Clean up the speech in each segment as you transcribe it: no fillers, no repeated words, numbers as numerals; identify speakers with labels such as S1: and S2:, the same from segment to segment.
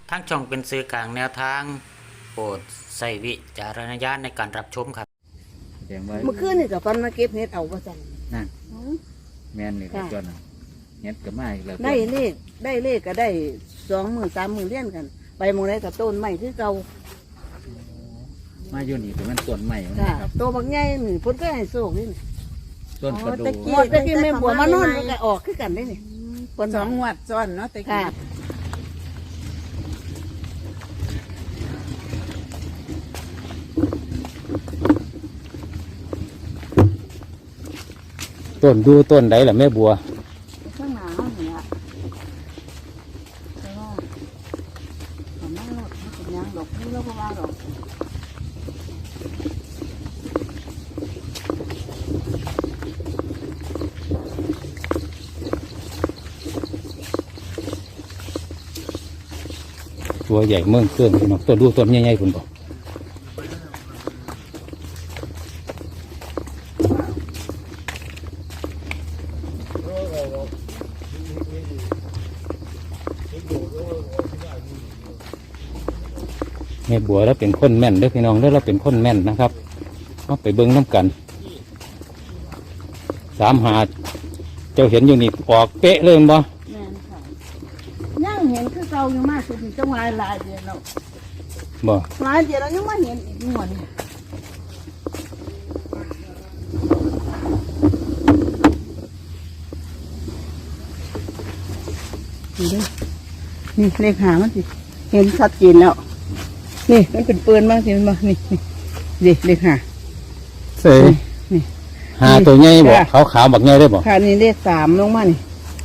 S1: ทั้งช่องเป็นสื่อกลางแนวทางโปรดใส่วิจารณญาณในการรับชมครับ
S2: แจ้งไว้
S3: เมื่อคืนนี่กับฟันมาเก็บเห็ดเอาประจัน
S2: นั่นแม่นนี่ก็จนเฮ็ดก็มาอีกแล้ว
S3: ได้เลขก็ได้20,000-30,000เลี้ยนกัน ไปหมองได้กับต้นไม้คือเก่า
S2: มาอยู่นี่แต่มันต้นใหม่ครับ
S3: โตบักใหญ่นี่เพิ่นก็ให้โชคนี่
S2: ต้นประดู่
S3: หมดตะกี้แม่บัวมานอนมันก็ออกคือกันได้นี่
S4: เพิ่น2 งวดซ้อนเนาะตะกี้
S2: ต้นดูต้นใดล่ะแม่บัว
S3: ข้างหน้านี่ล่ะแต่ว่าทำไมล่ะมันเป็นยังดอกนี่แล้วก็ว่าดอก
S2: ตัวใหญ่เมืองเครื่องพี่น้องต้นดูต้นใหญ่ๆคุณบอกแม่บัวแล้วเป็นคนแม่นเด้อพี่น้องแล้วเราเป็นคนแม่นนะครับเอาไปเบิ้งน้ำกัน3 หาเจ้าเห็นอยู่นี่ออกเป๊ะเลยบ่
S3: ยังเห็นคือเก่าอยู่มากสุดจังหวะหลายเดือนแล้ว
S2: บ่
S3: หลายเดือนแล้วยังมาเห็นอีกหมดนี่เลขหามันสิเห็นชัดเจนแล้วนี่มันเป็นปืนบ้างสิมันบ้างนี่เลขหา
S2: เสย
S3: นี่
S2: หาตัวใหญ่บ่ขาวๆบักใหญ่ได้บ่
S3: ค่ะนี่เลข3ลงมานี่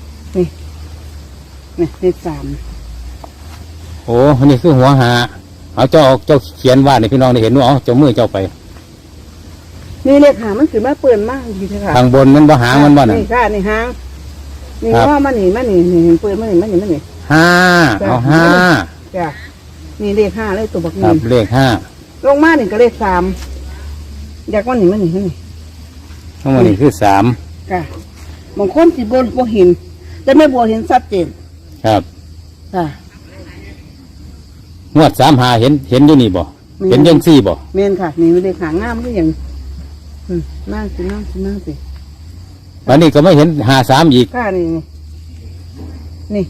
S3: เลข3
S2: โอ้อันนี้คือหัวหาเอาเจ้าเขียนว่าในพี่น้องได้เห็นว่าเจ้ามือเจ้าไป
S3: นี่เลขหามันคือมาเปื่อนมากทีเดียวค่ะ
S2: ทางบนมันบ่หางมันบ่น่ะ
S3: นี่ค่ะนี่หางนี่ว่ามันนี่เห็นเปื่อนมันนี่
S2: 5เอา5
S3: จ้ะนี่เลข5เลยตัวบักนี่
S2: ครับเลข
S3: 5ลงมานี่ก็เลข3อยากว่านี่
S2: ทั้งหมดนี่คือ3
S3: ค่ะบางคนสิบ่เห็นแต่แม่บัวเห็นชัดเจน
S2: ครับ
S3: ค่ะ
S2: งวด3 หาเห็นอยู่นี่บ่เห็นจังซี่บ่
S3: แม่นค่ะนี่เลขหางามคือหยังนั่งสิ
S2: วันนี้ก็ไม่เห็น53อีก
S3: ค่ะนี่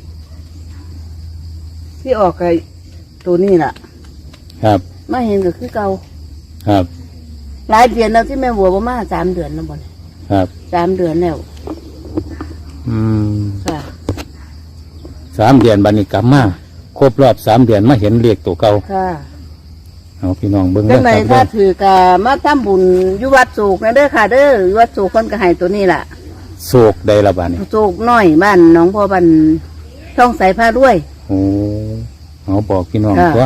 S3: ที่ออกไอ้ตัวนี้ล่ะ
S2: ครับ
S3: มาเห็นก็คือเก่า
S2: ครับ
S3: หลายเดือนแล้วที่แม่บัวมา3 เดือนแล้วบ่เนี่ย
S2: ครับ
S3: 3 เดือนแล้วค่ะ
S2: 3 เดือนบัดนี้กลับมาครบรอบ3 เดือนมาเห็นเลขตัวเก่า
S3: ค่ะ
S2: เอาพี่น้องเบิ่ง
S3: จังได๋ถ้าถือกะมาทำบุญอยู่วัดโศกนะเด้อค่ะเด้อวัดโศกเพิ่นก็ให้ตัวนี้ล่ะ
S2: โศกใดละบาดนี้
S3: โศกน้อยบ้านหนองพ่อบ้านช่องสายผ้าด้วย
S2: โอ้เอาบอกพี่น้องตัว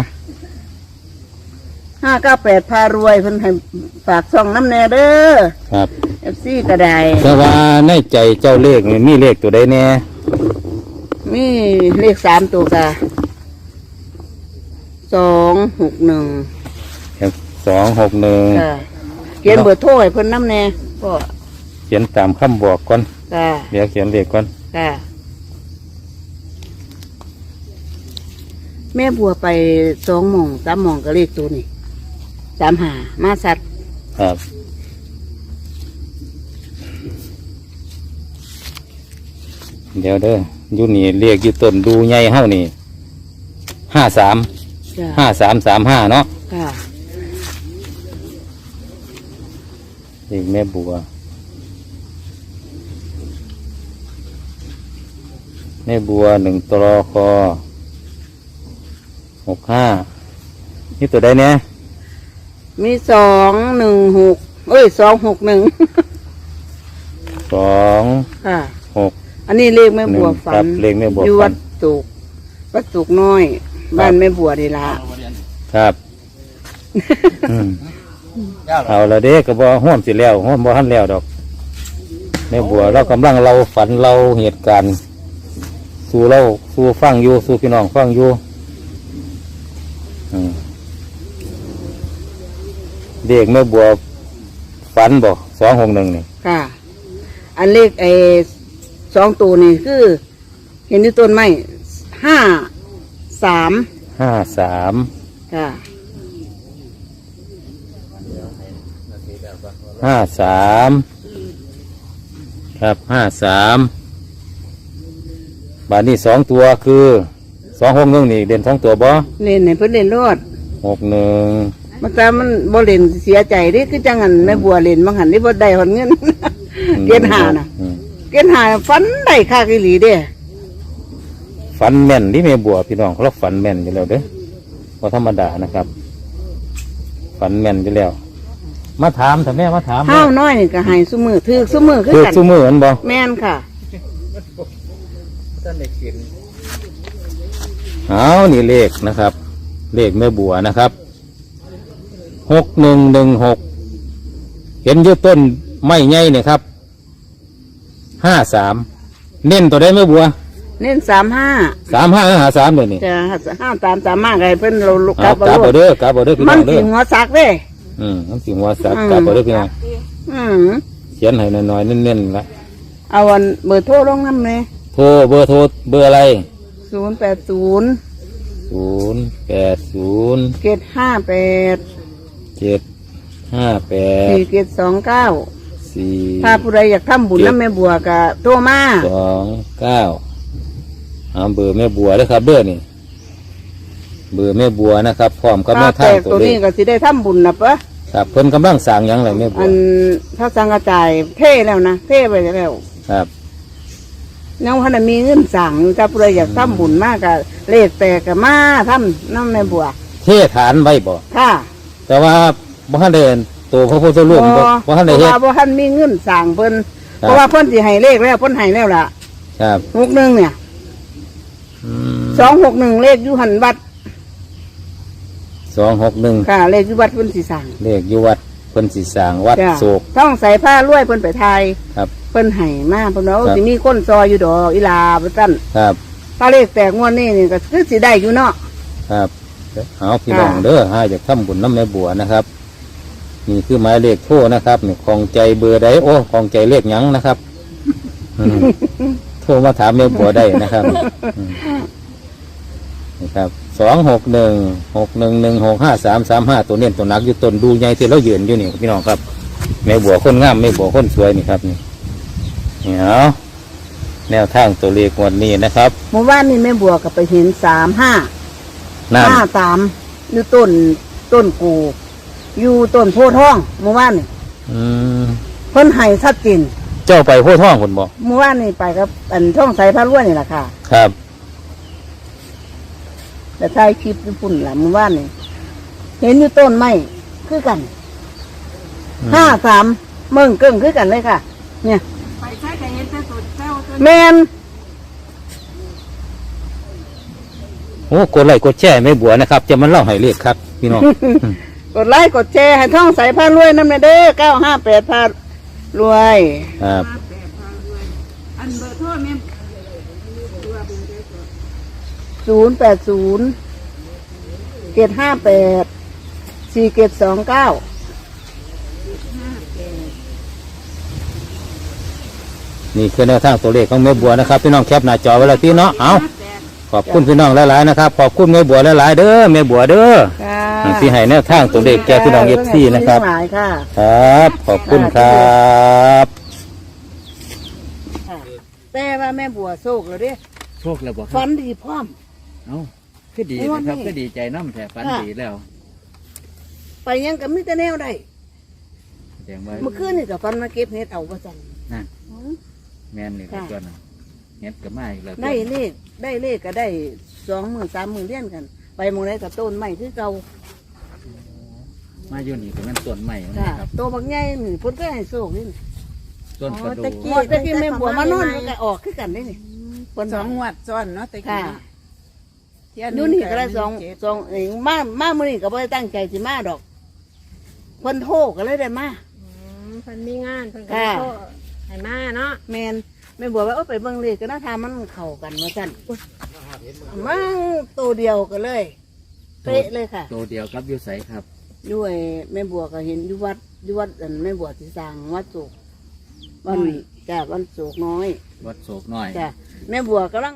S3: 598พารวยเพิ่นให้ฝากช่องน้ำแน่เด้อ
S2: ครับ
S3: FC ก็ได้
S2: แต่ว่าในใจเจ้าเลขนี่มีเลขตัวใดแน่
S3: มีเลข3ตัวกะ261
S2: ครับ261
S3: ค่ะเขียนเบอร์โทรให้เพิ่นน้ำแน่ก็
S2: เขียนตามคำบอกก่อน
S3: ค่ะ
S2: เดี๋ยวเขียนเลขก่อน
S3: ค่ะแม่บัวไป2 หม่อง3 หม่องก็เลขตัวนี้3 หามาสัตว์
S2: ครับเดี๋ยวเด้ออยู่นี่เลขอยู่ต้นดูใหญ่เฮานี่5335เนาะ
S3: ค่ะ
S2: เลขแม่บัว1 ตรค65นี่ตัวใดเนี่ย
S3: มี216261
S2: 2
S3: ค่ะอันนี้เลขแม่บัวฝัน
S2: เลขแม่บัว
S3: อยู่วัดสุกน้อยบ้านแม่บัวนี่ล่ะ
S2: ครับเอาละเด้ก็บ่ฮ้อนสิแล้วฮ้อนบ่ทันแล้วดอกแม่บัวเรากำลังเราฝันเราเหตุการณ์สู่ฟังอยู่สู่พี่น้องฟังอยู่เด็กแม่บัวฝันบ่261นี่
S3: ค่ะอันเลข2 ตัวนี่คือเห็นที่ต้นไม้5 3
S2: 53
S3: ค่ะ
S2: 53ครับ53บาทนี้2ตัวคือ261นี่เด่น2ตัวบ่
S3: เล่นให้เพิ่นเล่นรอด
S2: 61
S3: มันแต่มันบ่เล่นเสียใจเดิคือจังหันแม่บัวเล่นบางหันนี่บ่ได้หอนเงิน เกณฑ์หาน่ะ เกณฑ์หาฟันได้ค่าอีหลีเด้
S2: ฝันแม่นที่แม่บัวพี่น้องเขาฝันแม่นอยู่แล้วเด้อบ่ธรรมดานะครับ ฝันแม่นอยู่แล้ว มาถามถ้าแม่มาถาม
S3: ห้าวน้อยนี่ก็ให้ซุมือถือซุมือคือ
S2: คือ
S3: กัน
S2: ซุมืออันบ่
S3: แม่นค่ะ
S2: เอานี่เลขนะครับ เลขแม่บัวนะครับ6116เห็นอยู่ต้นไม้ใหญ่เนี่ยครับ53เน้นตัวได้แม่บัว
S3: เน้น35
S2: 3553เดี๋ยวนี้
S3: จะ5ตามให้เพิ่นเราลุกกลั
S2: เอา
S3: บ
S2: กลับ
S3: บ่
S2: เอาเด้อกลับเอาเด้อพี่
S3: มั
S2: น้
S3: น
S2: องเด้
S3: สิ
S2: อ
S3: หัวซักเด้
S2: มันสิหัวสักกลับเอาเด้อพี่น้อง
S3: อืม
S2: เขียนให้น้อยๆเน้นๆละ
S3: เอาอันเบอร์โทรลงนำเลย
S2: โทรเบอร์โทรเบอร์อะไร
S3: 080
S2: 080
S3: 758
S2: 758
S3: 4729
S2: 4
S3: ถ้าผู้ใดอยากทำบุญน้ำแม่บัวก็โทรมา
S2: 29เอาเบอร์แม่บัวเลยครับเบอร์นี่เบอร์แม่บัวนะครับพร้อมกับแม่
S3: ถ้า
S2: ทา
S3: แต
S2: ง
S3: ก
S2: ตั
S3: ตัว ว
S2: เล
S3: นี้
S2: ข
S3: ก็สิได้ทำบุญนะปะ
S2: ครับเพิ่นกำลังสั่งหยังไรแม่บั
S3: อั
S2: วน
S3: ถ้าสังกระจายเท่แล้วนะเท่ไปแล้ว
S2: ครับ
S3: น้องพันมีเงินสั่งถ้าผู้ใดอยากทำบุญมากก็เลขแตกก็มาทำน้ำแม่บัว
S2: เทฐานไว้บ่
S3: ค่ะ
S2: แต่ว่าบ่ทันได้ตัวพระพุทธรูปบ่ทันได้
S3: เพ
S2: เฮ็
S3: ราะ
S2: ด
S3: ว่าบ่ทันมีเงินสั่งเพิ่น
S2: ครับ
S3: เพราะว่าเพิ่นสิให้เลขแล้วเพิ่นให้แล้วล่ะ
S2: ครับ
S3: 61เนี่ย
S2: อืม
S3: 261เลขอยู่หันวัด
S2: 261
S3: ค่ะ เลขอยู่วัดเพิ่นสิสั่ง
S2: เลขอยู่วัดเพิ่นสิสร้างวัด
S3: จ้ะ
S2: โศก
S3: ต้องใส่ผ้ารวยเพิ่นไปไทย
S2: ครับ
S3: เพิ่นให้มาเพิ่นว่า
S2: ครับ
S3: สิมีคนซอยอยู่ดอกอีลาบ่ซั่น
S2: ครับ
S3: ถ้าเลขแตกงวดนี้นี่ก็คือสิได้อยู่เนาะ
S2: ครับเอาพี่น้องเด้อให้จากทำบุญน้ำแม่บัวนะครับ นี่คือหมายเลขโทรนะครับนี่ของใจเบอร์ใดโอ้ของใจเลขหยังนะครับอืมโทรมาถามแม่บัวได้นะครับอืมนี่ครับ26161165335ตัวเน้นตัวหนักอยู่ต้นดูใหญ่ที่เรายืนอยู่นี่พี่น้องครับแม่บัวคนงามแม่บัวคนสวยนี่ครับนี่นี่เอาแนวทางตัวเลขงวันนี้นะครับ
S3: เมื่อวานนี้แม่บัวก็ไปเห็น35
S2: นั่น
S3: 53อยู่ต้นกูอยู่ต้นโพธิ์ทองเมื่อวานนี่
S2: อืม
S3: เพิ่นให้ชัดเจน
S2: เจ้าไปโพธิ์ท่องคนบอก
S3: เมื่อวานนี่ไปกับอันท่องใสพระล้วนนี่แหละค่ะ
S2: ครับ
S3: แต่ถ่ายคลิปญี่ปุ่นล่ะเมื่อวานนี่เห็นอยู่ต้นไม้คือกัน53เมืองเกิ้งคือกันเลยค่ะ เนี่ย
S4: ไปใช้แต่เห็นแต่ตัวเจ้าตัว
S3: แมน
S2: โอ้กดไลค์กดแชร์ไม่บัวนะครับ จะมันเล่าให้เลขครับ พี่น้อง
S3: กดไลค์กดแชร์ให้ท่องใสพระรวยน้ำเด้อ958พารวย
S2: ครับ
S4: มาแปะพารวยอันเบอร์โทรแม่ตัวเบอร์ได้ตัว
S3: 080 758 4729
S2: นี่คือแนวทางตัวเลขของแม่บัวนะครับพี่น้องแคปหน้าจอไว้แล้วพี่เนาะเอาขอบคุณพี่น้องหลายๆนะครับขอบคุณแม่บัวหลายๆเด้อแม่บัวเด้อ
S3: ค่ะ
S2: ที่ให้แนวทางตัวเลขแก่พี่น้องเอฟซีนะครับ
S3: หลายค่ะ
S2: ครับ ขอบคุณครับ
S3: แต่ว่าแม่บัวโศกแล้วเด้
S5: โชคแล้วบอกค
S3: ฟั
S5: รับ
S3: นดีพร้อม
S5: เอ้าคือดีนะครับ ก็ดีใจน้ำแถฝัน
S3: ค่ะ
S5: ดีแล้ว
S3: ไปยังกับมิตรแนวได้
S5: แสดงว่า
S3: เมื่อคืนนี่กับฟันมาเก็บเห็ดเอาประจัน
S5: นั่นแมนนี่ครับ
S3: ค่ะ
S5: ตัวนั้นเฮ็ดก็มาอีกแล้ว
S3: ได้เลขก็ได้20,000 30,000เลี้ยนกัน ไปหมองไหนกับต้นไม้คือเก่า
S5: มาอยู่นี่ก็แม่นต้นใหม่
S3: ค่ะ
S5: นะครับ
S3: โตบักใหญ่นี่เพุ่นก็ให้โศกนี่
S5: ต้นประดู
S3: หมดตะกี้แม่บัวมานอนมันก็ออกคือกันได้นี่เพิ่น
S4: สองงวดซ้อนเนาะแต่กี้
S3: ค่ะ
S4: เนาะเที่ย
S3: อยู่นี่ก็ได้
S4: ห
S3: สอง
S4: เจ็ด
S3: มามื้อนี้ก็บ่ได้ตั้งใจสิมาดอกเพิ่นโทรก็เลยได้มา
S6: เพิ่นมีงานเพิ่นก็
S3: ค่ะ
S6: โทรให้มาเนาะ
S3: แมนแม่บัวว่าไปเบิ่งเลขก็น่าทามันเข้ากันว่าซั่นมั่งตัวเดียวก็เลยเป๊ะเลยค่ะ
S5: ตัวเดียวกับอยุใสครับ
S3: ด้วยแม่บัวก็เห็นอยู่วัดอันแม่บัวที่สร้างวัดโศกวันจ้ะวันโศกน้อย
S5: วัดโศกน้อย
S3: จ้ะแม่บัวกำลัง